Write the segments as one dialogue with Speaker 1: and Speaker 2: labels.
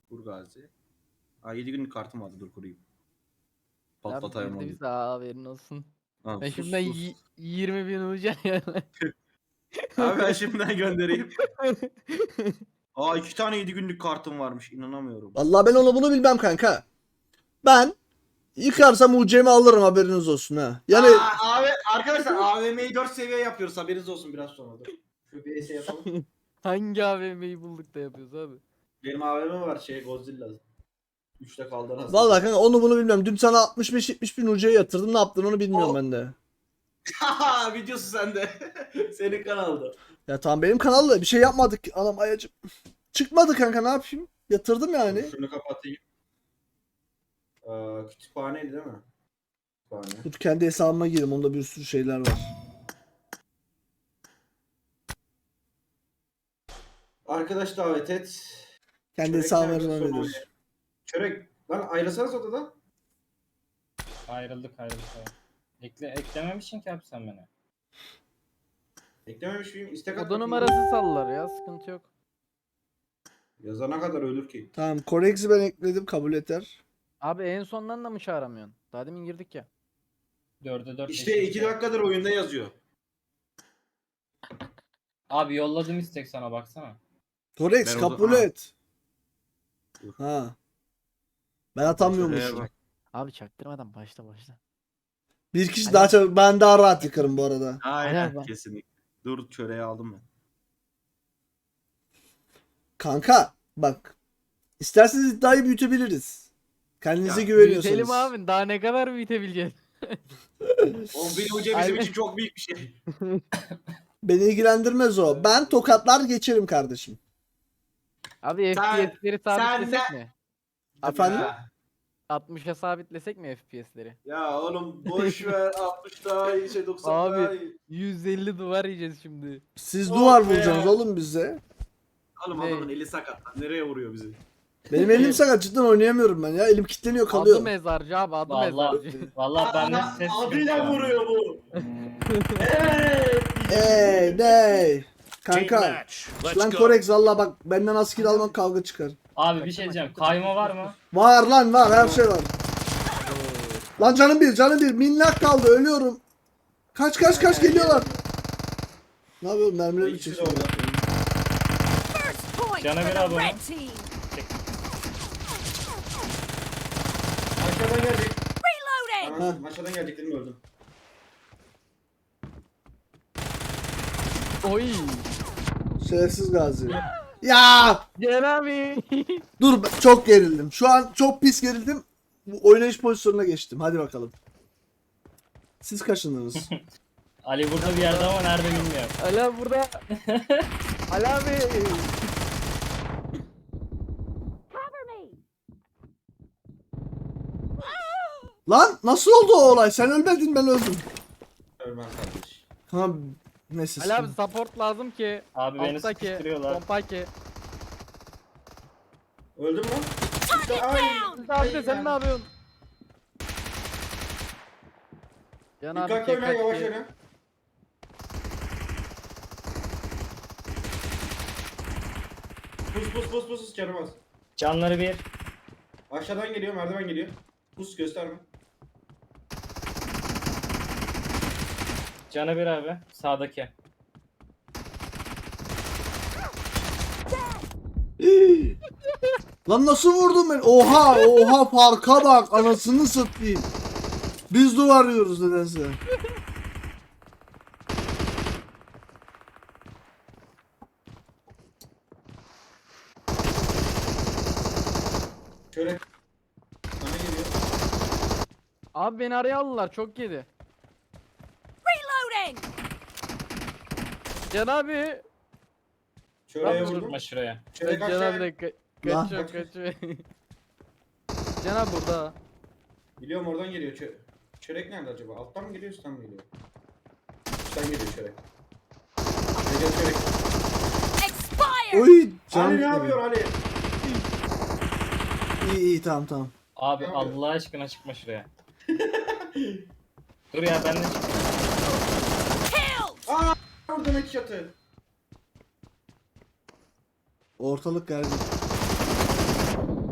Speaker 1: Kur Gazi. 7 günlük kartım vardı, dur kurayım.
Speaker 2: Abi
Speaker 1: Patlatayım
Speaker 2: girdi
Speaker 1: onu.
Speaker 2: bize haberin olsun.
Speaker 1: Tamam,
Speaker 2: Ben
Speaker 1: sus
Speaker 2: şimdiden
Speaker 1: sus.
Speaker 2: 20.000 olacak yani.
Speaker 1: Abi ben şimdiden göndereyim. 2 tane 7 günlük kartım varmış, inanamıyorum.
Speaker 3: Vallahi ben onu bunu bilmem kanka. Ben yıkarsam UC'mi alırım, haberiniz olsun ha. Yani
Speaker 1: Arkadaşlar AVM'yi 4 seviye yapıyoruz, haberiniz olsun biraz sonra. Dur. Şu bir ES yapalım.
Speaker 2: Hangi AVM'yi bulduk da yapıyoruz abi?
Speaker 1: Benim AVM var, Godzilla. 3'te kaldı nasıl?
Speaker 3: vallahi kanka onu bunu bilmiyorum. Dün sana 65-70 bin UC'ye yatırdım. Ne yaptın onu bilmiyorum ben de.
Speaker 1: Videosu sende. Senin kanalda.
Speaker 3: Ya tamam, benim kanalda bir şey yapmadık. Anam ayacım. Çıkmadı kanka, ne yapayım? Yatırdım yani.
Speaker 1: Şunu kapatayım. Kütüphaneydi değil mi? Kütüphane.
Speaker 3: Dur kendi hesabıma gireyim. Onda bir sürü şeyler var.
Speaker 1: Arkadaş davet et.
Speaker 3: Kendi
Speaker 1: Çörek
Speaker 3: hesabıma
Speaker 1: nerede?
Speaker 3: girmem
Speaker 1: Sonra
Speaker 3: nedir?
Speaker 1: oynayalım. Çörek. Lan ayrılsanız odadan.
Speaker 4: Ayrıldık. Eklememişsin ki abi sen beni.
Speaker 1: Eklememiş miyim? İstek
Speaker 2: Oda
Speaker 1: atmak
Speaker 2: numarası sallar ya, sıkıntı yok.
Speaker 1: Yazana kadar ölür ki.
Speaker 3: Tamam, Corex'i ben ekledim, kabul eder.
Speaker 2: Abi en sondan da mı çağıramıyorsun? Daha demin girdik ya.
Speaker 4: 4'e 4.
Speaker 1: İşte 2 dakikadır oyunda yazıyor.
Speaker 4: Abi yolladım istek sana baksana.
Speaker 3: Corex
Speaker 1: Ben
Speaker 3: kabul
Speaker 1: ha.
Speaker 3: et.
Speaker 1: Dur.
Speaker 3: Ha. Ben atamıyormuşum.
Speaker 1: Şuraya bak.
Speaker 2: Abi çaktırmadan başla.
Speaker 3: Bir kişi
Speaker 2: Hadi.
Speaker 3: daha çabuk. Ben daha rahat yıkarım bu arada.
Speaker 1: Aynen,
Speaker 2: Helal be.
Speaker 1: kesinlikle. Dur, çöreği aldım ben.
Speaker 3: Kanka bak. İsterseniz iddiayı büyütebiliriz. Kendinize
Speaker 1: Ya,
Speaker 3: güveniyorsanız.
Speaker 2: Büyütelim abi, daha ne kadar büyütebileceğiz?
Speaker 1: O bir hoca bizim
Speaker 2: Aynen.
Speaker 1: için çok büyük bir şey.
Speaker 3: Beni ilgilendirmez o. Ben tokatlar geçerim kardeşim.
Speaker 2: Abi
Speaker 1: Sen-
Speaker 2: FPS'leri sabitlesek mi?
Speaker 3: Efendim?
Speaker 1: Ya,
Speaker 2: 60'a sabitlesek mi FPS'leri?
Speaker 1: ya oğlum boş ver, 60 daha iyi, 90
Speaker 2: Abi.
Speaker 1: daha iyi.
Speaker 2: 150 duvar yiyeceğiz şimdi.
Speaker 3: Siz
Speaker 1: Oh
Speaker 3: duvar
Speaker 1: be.
Speaker 3: vuracaksınız oğlum bize.
Speaker 1: Oğlum
Speaker 2: Ne?
Speaker 1: adamın eli sakat lan, nereye vuruyor bizi?
Speaker 3: Benim elim sakat, cidden oynayamıyorum ben ya. Elim kilitleniyor,
Speaker 2: Adı
Speaker 3: kalıyor.
Speaker 2: mezarcı abi, adı
Speaker 4: Vallahi
Speaker 2: mezarcı.
Speaker 4: vallahi ben de ses
Speaker 1: Adıyla vuruyor bu.
Speaker 3: Ney? Kanka.
Speaker 5: Let's
Speaker 3: Lan
Speaker 5: go.
Speaker 3: Corex valla bak, benden asker almak kavga çıkar.
Speaker 4: Abi bir şey diyeceğim. Kayma var mı?
Speaker 3: Var lan, var, her şey var. Lan canım bir minnak kaldı, ölüyorum. Kaç geliyorlar. Ne yapıyorum, mermileri mi
Speaker 1: İkisi de
Speaker 3: çekiyor?
Speaker 1: orada.
Speaker 6: First point
Speaker 4: Cana
Speaker 6: for
Speaker 4: bir
Speaker 6: the
Speaker 4: abi.
Speaker 6: red team.
Speaker 1: Aşağıdan gelecek.
Speaker 6: Reloading.
Speaker 1: Anasını, aşağıdan gelecek dedim, öldüm.
Speaker 2: Oy.
Speaker 3: Şerefsiz Gazi. Ya
Speaker 2: Gel abi.
Speaker 3: dur, çok gerildim. Şu an çok pis gerildim. Bu oynayış pozisyonuna geçtim. Hadi bakalım. Siz kaçındınız.
Speaker 4: Ali burada bir yerde ama nerede bilmiyorum.
Speaker 2: Ali abi burada. Ali abi.
Speaker 3: Lan nasıl oldu o olay? Sen ölmedin, ben öldüm.
Speaker 1: Ölmem kardeş.
Speaker 3: Tamam. Neyse.
Speaker 2: Ali abi support lazım ki.
Speaker 4: Abi beni
Speaker 2: Alttaki,
Speaker 4: sıkıştırıyorlar.
Speaker 2: pompaki.
Speaker 1: Öldüm lan. İşte ay.
Speaker 2: Abi de sen ne yapıyorsun? Can abi
Speaker 1: Dikkatli oyna, yavaş
Speaker 2: dikkatli.
Speaker 1: oyna. Pus canım az.
Speaker 4: Canları bir.
Speaker 1: Aşağıdan geliyor, merdiven geliyor. Pus gösterme.
Speaker 4: Canı bir abi. Sağdaki.
Speaker 3: Lan nasıl vurdum ben? Oha farka bak, anasını satayım. Biz duvar yiyoruz nedense.
Speaker 1: Şöyle. Sana geliyor.
Speaker 2: Abi beni araya aldılar, çok yedi.
Speaker 6: Reloading.
Speaker 2: Can abi.
Speaker 1: Şuraya
Speaker 2: Lan
Speaker 1: vurdum.
Speaker 4: Tutma şuraya.
Speaker 1: Şöyle kaç
Speaker 2: Can abi
Speaker 1: tane.
Speaker 2: de
Speaker 3: Lan.
Speaker 2: kaçıyor. Can abi burada.
Speaker 1: Biliyorum, oradan geliyor. Çörek nerede acaba? Alttan mı geliyor, üstten mi geliyor? Üstten geliyor çörek. Geliyor çörek.
Speaker 6: Expired.
Speaker 3: Oy canım.
Speaker 1: Ali ne yapıyor Ali?
Speaker 3: İyi tamam.
Speaker 4: Abi
Speaker 1: Ne yapıyor?
Speaker 4: Allah aşkına çıkma şuraya. Dur ya ben de çık.
Speaker 6: Killed.
Speaker 1: Vurdum iki çatı.
Speaker 3: Ortalık gergin.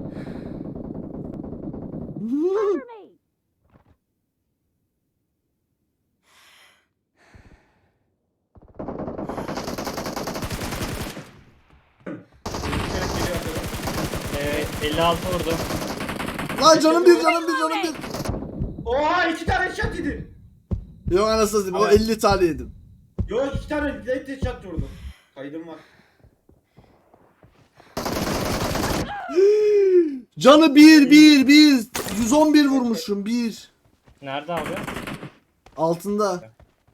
Speaker 4: 56 vurdu.
Speaker 3: Lan canım bir canım bir canım bir.
Speaker 1: Oha 2 tane headshot yedi.
Speaker 3: Yok anasını satayım o
Speaker 4: Evet.
Speaker 3: 50 tane yedim.
Speaker 1: Yok 2 tane direkt headshot vurdum. Kaydım var.
Speaker 3: Canı bir 111 vurmuşum bir.
Speaker 4: Nerede abi?
Speaker 3: Altında.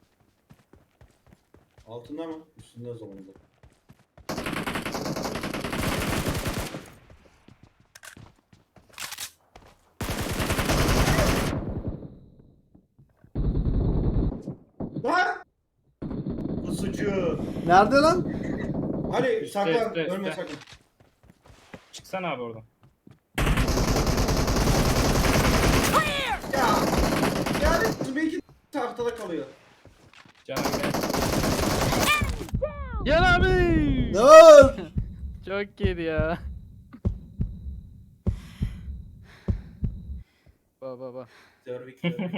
Speaker 1: Altında mı? Üstünde o zaman da. Lan! Pusucu.
Speaker 3: Nerede lan?
Speaker 1: Hadi
Speaker 4: Üstte,
Speaker 1: saklan.
Speaker 4: üstte,
Speaker 1: Ölme
Speaker 4: üstte.
Speaker 1: sakın.
Speaker 4: Çıksana abi oradan.
Speaker 6: Clear!
Speaker 1: Ya. Yani belki tahtada kalıyor.
Speaker 4: Canım gel.
Speaker 2: Gel abi.
Speaker 3: Ne var?
Speaker 2: Çok yedi ya. Baba.
Speaker 1: Dörvik.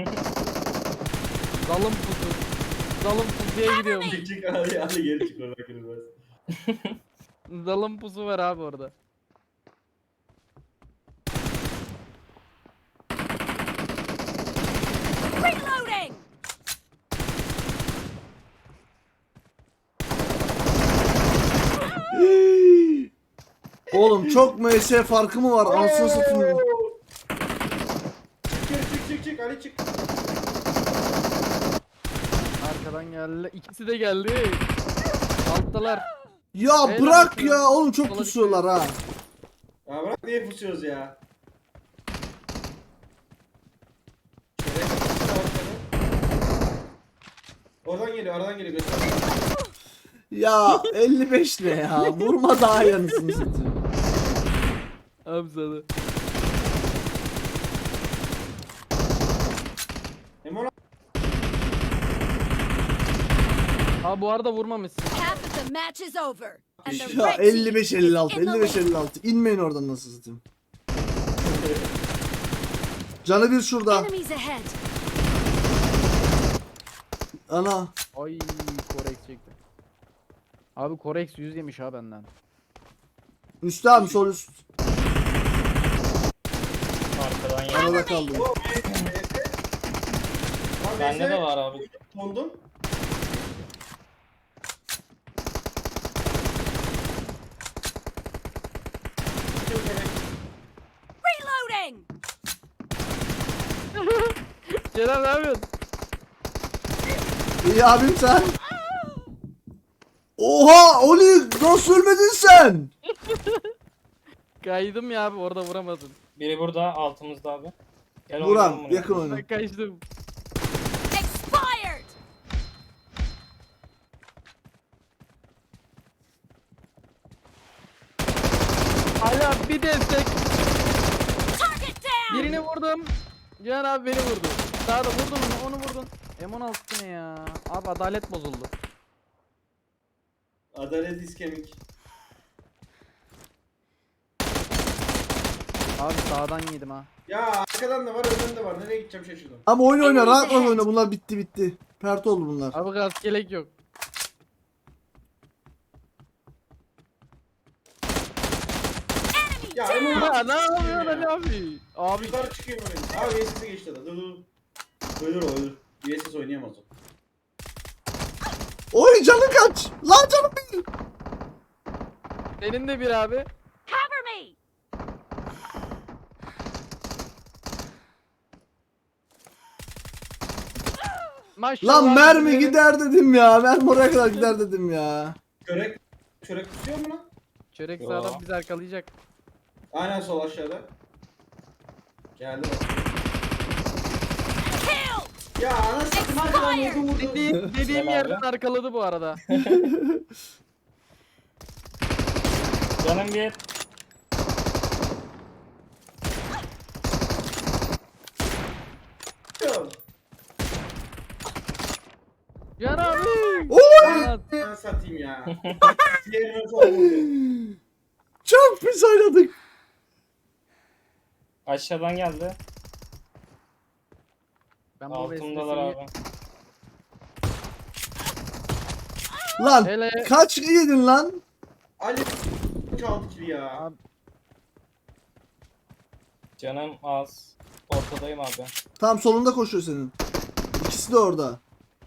Speaker 2: Zalım pusu. Zalım pusuya gidiyorum.
Speaker 1: Çık hadi hadi geri çık oradan kırılmaz.
Speaker 2: Zalım pusu var abi orada.
Speaker 6: Reloading!
Speaker 3: Oğlum çok MS farkı mı var? Anasını satayım.
Speaker 1: Çık Ali çık.
Speaker 2: Arkadan geldi. İkisi de geldi. Alttalar.
Speaker 3: Ya
Speaker 2: Helal
Speaker 3: bırak
Speaker 2: olsun.
Speaker 3: ya oğlum çok
Speaker 2: Sola
Speaker 3: pusuyorlar ha.
Speaker 1: Ya bırak niye pusuyoruz ya? Oradan geliyor göster.
Speaker 3: Ya 55 ne ya? Vurma daha yanısını satayım.
Speaker 2: Abi sana.
Speaker 1: Emon
Speaker 2: Abi bu arada vurmamışsın.
Speaker 6: Half of the match is over. And the
Speaker 3: Ya
Speaker 6: red team
Speaker 3: 55
Speaker 6: is
Speaker 3: 56
Speaker 6: in the
Speaker 3: 55
Speaker 6: lead.
Speaker 3: 56. İnmeyin oradan nasıl satayım. Canı bir şurada.
Speaker 6: Enemies ahead.
Speaker 3: Ana.
Speaker 2: Ay Korex çekti. Abi Korex 100 yemiş ha benden.
Speaker 3: Üstte abi sol üst.
Speaker 4: Arkadan yedi.
Speaker 3: Arada kaldı.
Speaker 4: Bende de var abi.
Speaker 1: Kondum.
Speaker 6: Reloading!
Speaker 2: Celal ne yapıyorsun?
Speaker 3: İyi abim sen. Oha Oli nasıl ölmedin sen?
Speaker 2: Kaydım ya abi orada vuramadın.
Speaker 4: Biri burada altımızda abi. Gel oynayalım
Speaker 3: Buran
Speaker 4: bunu.
Speaker 3: yakın oyna.
Speaker 2: Ben kaçtım.
Speaker 6: Expired!
Speaker 2: Hala bir destek.
Speaker 6: Target down!
Speaker 2: Birini vurdum. Cihan abi beni vurdu. Daha da vurdun onu vurdun. M16 ne ya? Abi adalet bozuldu.
Speaker 1: Adalet iskemik.
Speaker 2: Abi sağdan yedim ha.
Speaker 1: Ya arkadan da var önden de var. Nereye gideceğim şaşırdım.
Speaker 3: Ama oyna oyna rahat
Speaker 6: Enemies
Speaker 3: oyna bunlar bitti. Pert oldu bunlar.
Speaker 2: Abi gaz gelek yok.
Speaker 1: Ya Emon
Speaker 2: Ya ne yapıyorsun Ali abi? Abi
Speaker 1: yukarı çıkıyor böyle. Abi VSS'e geçti adam. Dur. Ölür. VSS oynayamaz o.
Speaker 3: Oy canın kaç? Lan canım bir.
Speaker 2: senin de bir abi.
Speaker 6: Cover me!
Speaker 2: Maşallah.
Speaker 3: Lan mermi
Speaker 2: bizim-
Speaker 3: gider dedim ya. Mermi oraya kadar gider dedim ya.
Speaker 1: Çörek tutuyor mu lan?
Speaker 2: Çörek
Speaker 4: Yo.
Speaker 2: sağdan bizi arkalayacak.
Speaker 1: Aynen sol aşağıda. Geldi bak.
Speaker 6: Kill!
Speaker 1: Ya anasını arkadan vurdu.
Speaker 2: Dediğim
Speaker 4: Gel
Speaker 2: yerden
Speaker 4: abi.
Speaker 2: arkaladı bu arada.
Speaker 4: Canım bir.
Speaker 2: Cihan abi.
Speaker 3: Oy!
Speaker 2: Cihan,
Speaker 1: Ben satayım ya. Diğerine sol vurdu.
Speaker 3: Çok pis oynadık.
Speaker 4: Aşağıdan geldi.
Speaker 2: Ben bu
Speaker 4: Altımdalar
Speaker 2: vesveseliği-
Speaker 4: abi.
Speaker 3: Lan
Speaker 2: Hele-
Speaker 3: kaç yedin lan?
Speaker 1: Ali çaldı kili ya.
Speaker 2: Abi-
Speaker 4: Canım az. Ortadayım abi.
Speaker 3: Tam solunda koşuyor senin. İkisi de orada.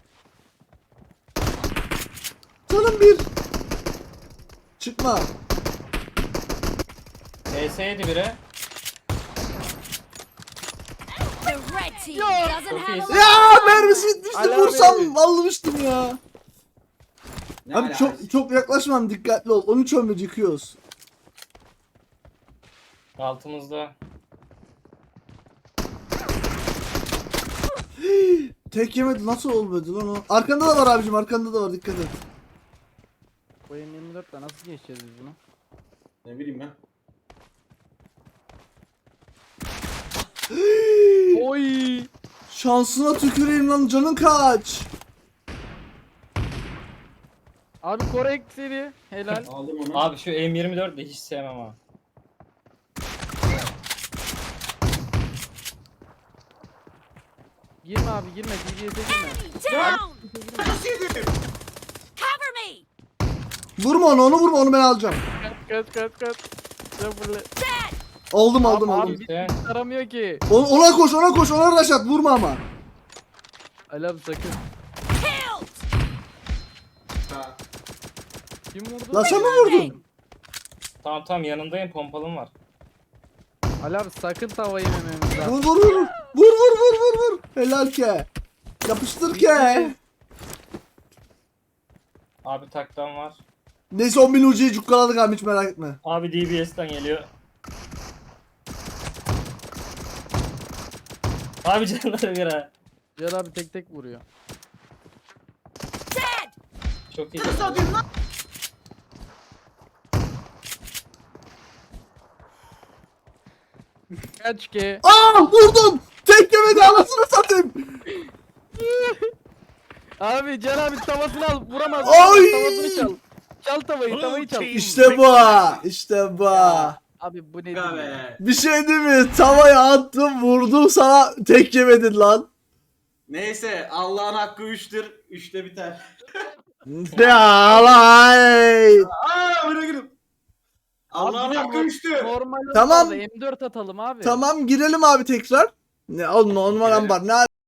Speaker 3: Canım bir. Çıkma.
Speaker 4: ES'ydi biri.
Speaker 6: The red team doesn't
Speaker 4: Çok
Speaker 6: have
Speaker 4: iyisin.
Speaker 6: a
Speaker 3: Ya mermisi bitmişti.
Speaker 2: Ala
Speaker 3: Vursam
Speaker 2: be.
Speaker 3: almıştım ya.
Speaker 1: Ne
Speaker 3: Abi çok yaklaşmam, dikkatli ol. 13 ölmedi, yıkıyoruz.
Speaker 4: Altımızda.
Speaker 3: Tek yemedi, nasıl olmadı lan o? Arkanda da var abicim, arkanda da var, dikkat et.
Speaker 2: Bu M24'le nasıl geçeceğiz biz bunu?
Speaker 1: Ne bileyim ben.
Speaker 2: Oy!
Speaker 3: Şansına tüküreyim lan, canın kaç?
Speaker 2: Abi korek seni. Helal.
Speaker 1: Aldım onu.
Speaker 4: Abi şu M24 de hiç sevmem ha.
Speaker 2: Girme abi girme. DBS'e girme.
Speaker 6: down.
Speaker 1: Nasıl yedim?
Speaker 6: Cover me.
Speaker 3: Vurma onu vurma, onu ben alacağım.
Speaker 2: Kaç. Sen fırla.
Speaker 6: Dead.
Speaker 3: Aldım
Speaker 2: Abi,
Speaker 3: aldım.
Speaker 2: abi
Speaker 4: İşte.
Speaker 2: taramıyor ki.
Speaker 3: Ona koş, ona rush at, vurma ama.
Speaker 2: Ali abi sakın.
Speaker 6: Killed.
Speaker 1: Ha.
Speaker 2: Kim vurdu?
Speaker 3: Lan sen mi vurdun?
Speaker 4: Tamam yanındayım, pompalım var.
Speaker 2: Ali abi sakın tavayı yemememiz lazım.
Speaker 3: Vur. Helal ke. Yapıştır ke.
Speaker 4: Abi taktan var.
Speaker 3: Neyse 10.000 ucuyu cukkaladık abi, hiç merak etme.
Speaker 4: Abi DBS'den geliyor. Abi canları bir ha.
Speaker 2: Cihan abi tek vuruyor.
Speaker 6: Dead.
Speaker 4: Çok iyi.
Speaker 1: Nasıl atayım lan?
Speaker 2: Kaç ki?
Speaker 3: Aa vurdum. Tek yemedi, anasını satayım.
Speaker 2: Abi Cihan abi tavasını al. Vuramaz.
Speaker 3: Ay!
Speaker 2: Tavasını çal. Çal tavayı çal.
Speaker 3: İşte bu.
Speaker 2: Abi bu ne
Speaker 1: Aga
Speaker 2: diyor?
Speaker 1: be.
Speaker 3: Bir şey değil mi? Tavaya attım, vurdum sana, tek yemedin lan.
Speaker 1: Neyse Allah'ın hakkı 3'tür. 3'te biter.
Speaker 3: Ya vay.
Speaker 1: Aa bırakırım. Allah'ın
Speaker 2: Abi,
Speaker 1: hakkı 3'tü.
Speaker 2: Normal
Speaker 3: Tamam.
Speaker 2: M4 atalım abi.
Speaker 3: Tamam girelim abi tekrar. Ne oğlum, normal ambar. Ne